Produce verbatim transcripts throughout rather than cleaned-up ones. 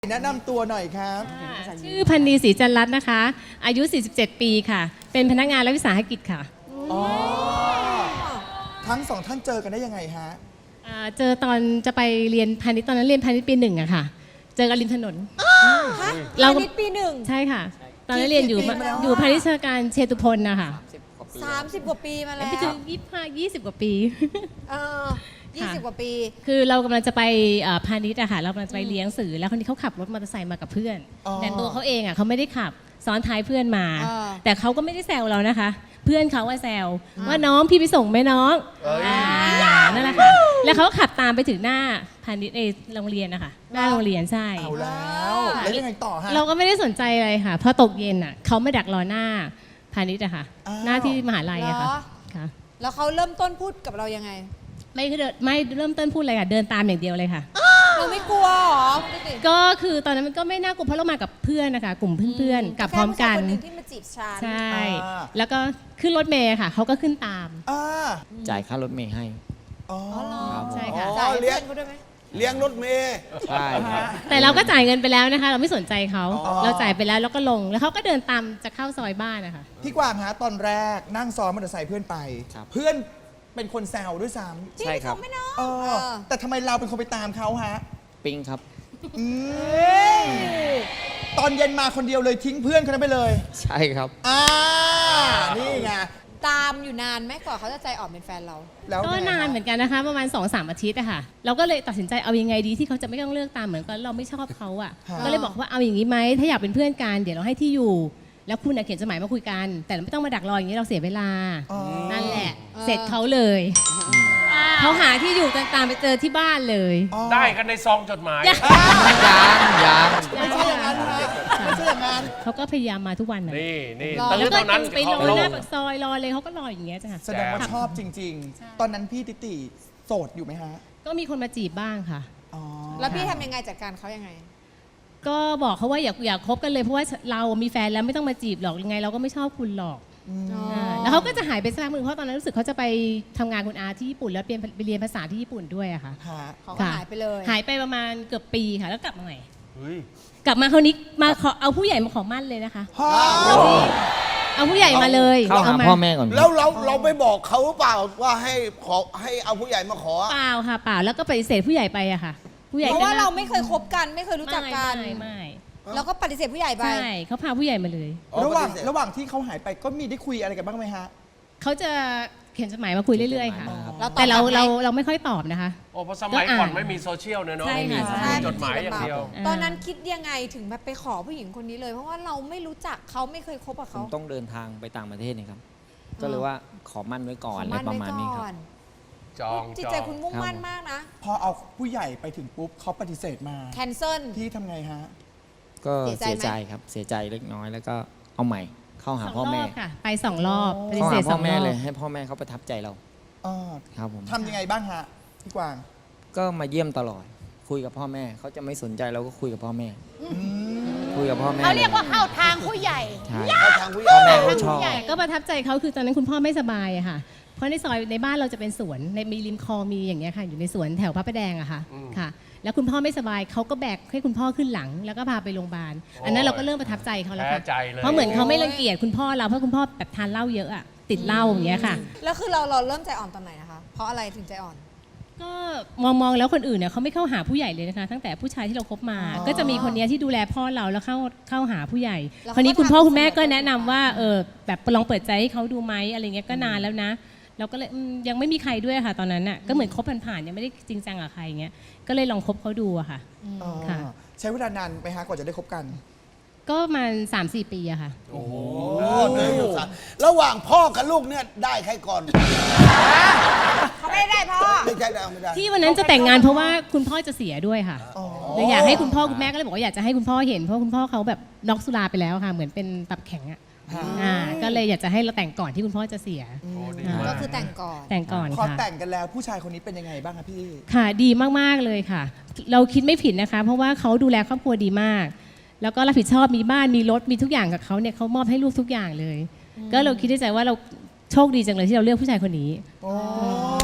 แนะนำตัวหน่อยครับชื่อพันนีศรีจันทร์รัตน์นะคะ อายุ สี่สิบเจ็ด ปีค่ะ เป็นพนักงานรัฐวิสาหกิจค่ะอ๋อ ทั้งสองท่านเจอกันได้ยังไงฮะอ่าเจอตอนจะไปเรียนพาณิชย์ตอนนั้นเรียนพาณิชย์ปีหนึ่งอะค่ะ เจอกันริมถนนฮะเราพาณิชย์ปีหนึ่งใช่ค่ะ ตอนนั้นเรียนอยู่กี่ปีมาแล้วอยู่พาณิชยการเชตุพลนะคะสามสิบกว่าปีมาแล้วไปถึงยี่สิบห้า ยี่สิบกว่าปีเออยี่สิบกว่าปีคือเรากำลังจะไปเอ่อพาณิชย์อะค่ะ เรากำลังจะไปเลี้ยงสื่อแล้วคนนี้เขาขับรถมอเตอร์ไซค์มากับเพื่อนอ๋อแต่ตัวเขาเองอะเขาไม่ได้ขับซ้อนท้ายเพื่อนมาอ่าแต่เขาก็ไม่ได้แซวเรานะคะ เพื่อนเขาว่าแซวว่าน้องพี่ไปส่งไหมน้องอ่านั่นแหละค่ะแล้วเขาก็ขับตามไปถึงหน้าพาณิชย์ในโรงเรียนนะคะหน้าโรงเรียนใช่เอาแล้ว แล้วยังไงต่อฮะเราก็ไม่ได้สนใจอะไรค่ะพอตกเย็นอะเขาไม่ดักรอหน้าพาณิชย์อะค่ะอ้าวหน้าที่มหาลัยอะค่ะเหรอค่ะแล้วเขาเริ่มต้นพูดกับเรายังไงไม่คือเดินไม่เริ่มต้นพูดอะไรค่ะเดินตามอย่างเดียวเลยค่ะเราไม่กลัวเหรอดูสิก็คือตอนนั้นมันก็ไม่น่ากลัวเพราะเรามากับเพื่อนนะคะกลุ่มเพื่อนๆกลับพร้อมกันแค่ผู้ชายคนหนึ่งที่มาจีบฉันใช่อ่าแล้วก็ขึ้นรถเมย์ค่ะเขาก็ขึ้นตามอ่าจ่ายค่ารถเมย์ให้อ๋ออ๋อเหรอใช่ค่ะจ่ายให้เลี้เพื่ยงอนเขาด้วยไหมเลี้ยงรถเมย์ใช่ครับแต่เราก็จ่ายเงินไปแล้วนะคะ เราไม่สนใจเขาอ๋อเราจ่ายไปแล้วแล้วก็ลงแล้วเขาก็เดินตามจะเข้าซอยบ้านนะคะพี่กวางฮะ ตอนแรกนั่งซ้อนมอเตอร์ไซค์เพื่อนไปครับเพื่อนเป็นคนแซวด้วยซ้ใช่ครับจงไหมเนาะำเออเออแต่ทำไมเราเป็นคนไปตามเขาฮะปิงครับอืมตอนเย็นมาคนเดียวเลยทิ้งเพื่อนคนนั้นไปเลยใช่ครับอ่า นี่ไงตามอยู่นานไหมกว่าเขาจะใจอ่อนเป็นแฟนเราแล้วก็ไงฮะนานเหมือนกันนะคะ ประมาณ สองสาม อาทิตย์อะค่ะ เราก็เลยตัดสินใจเอายังไงดีที่เขาจะไม่ต้องเลือกตามเหมือนกันเราไม่ชอบเขาอะค่ะก็เลยบอกว่าเอาอย่างนี้ไหมถ้าอยากเป็นเพื่อนกันเดี๋ยวเราให้ที่อยู่ แล้วคุณน่ะเขียนจดหมายมาคุยกัน แต่ไม่ต้องมาดักรออย่างนี้เราเสียเวลาอ๋อนั่นแหละเออเสร็จเขาเลยเขาหาที่อยู่ตามไปเจอที่บ้านเลยอ๋อได้กันในซองจดหมายยังยังไม่ใช่อย่างนั้นฮะไม่ใช่อย่างนั้นเขาก็พยายามมาทุกวันน่ะนี่นี่รอตื้แล้อวก็เท่านั้นไปรอเขาหน้าปากซอยรอเลยเขาก็รออย่างเงี้ยจ้ะแสดงว่าชอบจริง ๆ ตอนนั้นพี่ติติโสดอยู่ไหมฮะก็มีคนมาจีบบ้างค่ะอ๋อแล้วพี่ทำยังไงจัดการเขายังไงก็บอกเขาว่าอย่าอย่าคบกันเลยเพราะว่าเรามีแฟนแล้วไม่ต้องมาจีบหรอกยังไงเราก็ไม่ชอบคุณหรอกอ๋ออ่าแล้วเขาก็จะหายไปสักพักหนึ่งเพราะตอนนั้นรู้สึกเขาจะไปทำงานคุณอาที่ญี่ปุ่นแล้วเรียนไปเรียนภาษาที่ญี่ปุ่นด้วยอะค่ะฮะเขาก็หายไปเลยหายไปประมาณเกือบปีค่ะแล้วกลับมาใหม่เฮ้ยกลับมาคราวนี้มาขอเอาผู้ใหญ่มาขอมั่นเลยนะคะพ่อเอาผู้ใหญ่มาเลยเข้าหามาพ่อแม่ก่อนแล้วเราเราไปบอกเขาเปล่าว่าให้ขอให้เอาผู้ใหญ่มาขอเปล่าค่ะเปล่าแล้วก็ปฏิเสธผู้ใหญ่ไปอะค่ะ ผู้ใหญ่เพก็ราะว่าน่เราไม่เคยคบกันไม่เคยรู้จักกันไม่ไม่แล้วก็ปฏิเสธผู้ใหญ่ไปใช่เขาพาผู้ใหญ่มาเลยระหว่างปฏิเสธระหว่างที่เขาหายไปก็มีได้คุยอะไรกันบ้างไหมฮะเขาจะเขียนจดหมายมาคุยเรื่อยๆค่ะแล้วตอบแต่เรากลับไหมเราเราไม่ค่อยตอบนะคะโอ้เพราะสมัยก็อ่านก่อนไม่มีโซเชียลเนอะเนาะใช่ค่ะมีใช่จดหมายอย่างเดียวตอนนั้นคิดยังไงถึงแบบไปขอผู้หญิงคนนี้เลย เพราะว่าเราไม่รู้จักเขาไม่เคยคบกับผเขามต้องเดินทางไปต่างประเทศนี่ครับ ก็เลยว่าขอมั่นไว้ก่อนอะไรประมาณนี้ครับจองจิตจอใจงคุณมุ่งมั่นมากนะพอเอาผู้ใหญ่ไปถึงปุ๊บเขาปฏิเสธมาแคนเซิลพี่ทำไงฮะก็เสีเสียยใจใจไหมครับ เสียใจเล็กน้อยแล้วก็เอาใหม่ เข้าหาสองพ่อรแม่อบค่ะ ไปสองรอบปฏิเข้าเสหาธสพ่อองรแม่อบเลยให้พ่อแม่เขาประทับใจเราอ่าครับผมทำยังไงบ้างฮะ พี่กวางก็มาเยี่ยมตลอด คุยกับพ่อแม่เขาจะไม่สนใจเราก็คุยกับพ่อแม่ คุยกับพ่อแม่เขาเรียกว่าเข้าทางผู้ใหญ่ใช่เข้าทางผู้ใหญ่พ่อแม่เขาชอบแต่ก็ประทับใจเขาคือตอนนั้นคุณพ่อไม่สบายอะค่ะ เพราะในซอยในบ้านเราจะเป็นสวนในมีริมคลองมีอย่างเงี้ยค่ะ อยู่ในสวนแถวพระประแดงอะค่ะค่ะ แล้วคุณพ่อไม่สบายเขาก็แบกให้คุณพ่อขึ้นหลัง แล้วก็พาไปโรงพยาบาลอันนั้นเราก็เริ่มประทับใจเขาแล้วแพ้ค่ะใจเลยเพราะเหมือนเขาไม่รังเกียจคุณพ่อเราเพราะคุณพ่อแบบทานเหล้าเยอะอะติดเหล้าอย่างเงี้ยค่ะแล้วคือเราเราเริ่มใจอ่อนตอนไหนนะคะ เพราะอะไรถึงใจอ่อนก็มองมองแล้วคนอื่นเนี่ยเขาไม่เข้าหาผู้ใหญ่เลยนะคะ ตั้งแต่ผู้ชายที่เราคบมา ก็จะมีคนเนี้ยที่ดูแลพ่อเราแล้วเข้าเข้าหาผู้ใหญ่แล้วคราวนี้คุณพ่อคุณแม่ก็เขาก็แนะนำว่าเออแบบลองเปิดใจให้เขาดูไหมอะไรเงี้ยก็นานแล้วนะเราก็เลยอืมยังไม่มีใครด้วยค่ะตอนนั้นน่ะก็เหมือนคบผ่านๆยังไม่ได้จริงจังกับใครเงี้ยก็เลยลองคบเขาดูอะค่ะอ๋อค่ะใช้เวลานานไหมฮะกว่าจะได้คบกันก็ประมาณ สามสี่ ปีอะค่ะโอ้เดินอยู่สัตว์ระหว่างพ่อกับลูกเนี่ยได้ใครก่อนเขาไม่ได้พ่อไม่ใช่ได้ไม่ได้ที่วันนั้นจะแต่งงานเพราะว่าคุณพ่อจะเสียด้วยค่ะอ๋อเลยอยากให้คุณพ่อคุณแม่ก็เลยบอกว่าอยากจะให้คุณพ่อเห็นเพราะคุณพ่อเขาแบบน็อกสุราไปแล้วค่ะ เหมือนเป็นตับแข็งอะอ่าก็เลยอยากจะให้เราแต่งก่อนที่คุณพ่อจะเสียก็คือแต่งก่อนแต่งก่อนพอค่ะแต่งกันแล้วผู้ชายคนนี้เป็นยังไงบ้างคะพี่ค่ะดีมากๆเลยค่ะ เราคิดไม่ผิดนะคะ เพราะว่าเขาดูแลครอบครัวดีมาก แล้วก็รับผิดชอบมีบ้านมีรถมีทุกอย่างกับเขาเนี่ยเขามอบให้ลูกทุกอย่างเลย ก็เราคิดในใจว่าเราโชคดีจังเลยที่เราเลือกผู้ชายคนนี้โอ้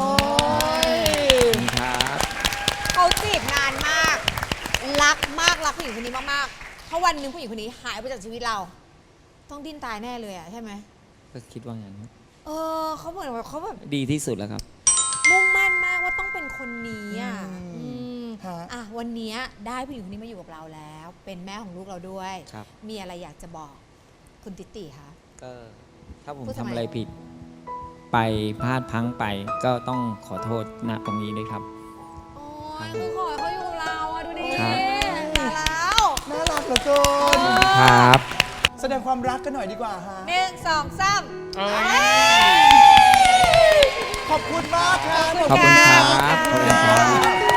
ยครับเขาจีบนานมาก รักมากรักผู้หญิงคนนี้มากๆถ้าวันหนึ่งผู้หญิงคนนี้หายไปจากชีวิตเรา ต้องดิ้นตายแน่เลยอะใช่ไหมก็คิดว่างั้นครับเออเขาเหมือนแบบเขาแบบดีที่สุดแล้วครับมุ่งมั่นมากว่าต้องเป็นคนนี้อ่ะอืมอืมฮะอ่ะวันนี้ได้ผู้หญิงคนนี้มาอยู่กับเราแล้ว เป็นแม่ของลูกเราด้วยครับมีอะไรอยากจะบอกคุณติติคะก็ถ้าผมพูดทำทำไมอะไรผิด ไปพลาดพลั้งไป ก็ต้องขอโทษณตรงนี้ด้วยครับโอ้ยคือขอให้เขาอยู่กับเราอะดูดิครับมาแล้วน่ารักเหลือเกินครับแสดงความรักกันหน่อยดีกว่าฮะหนึ่งสองสามเอ้ยขอบคุณมากค่ะขอบคุณครับขอบคุณขอบคุณครับค่ะ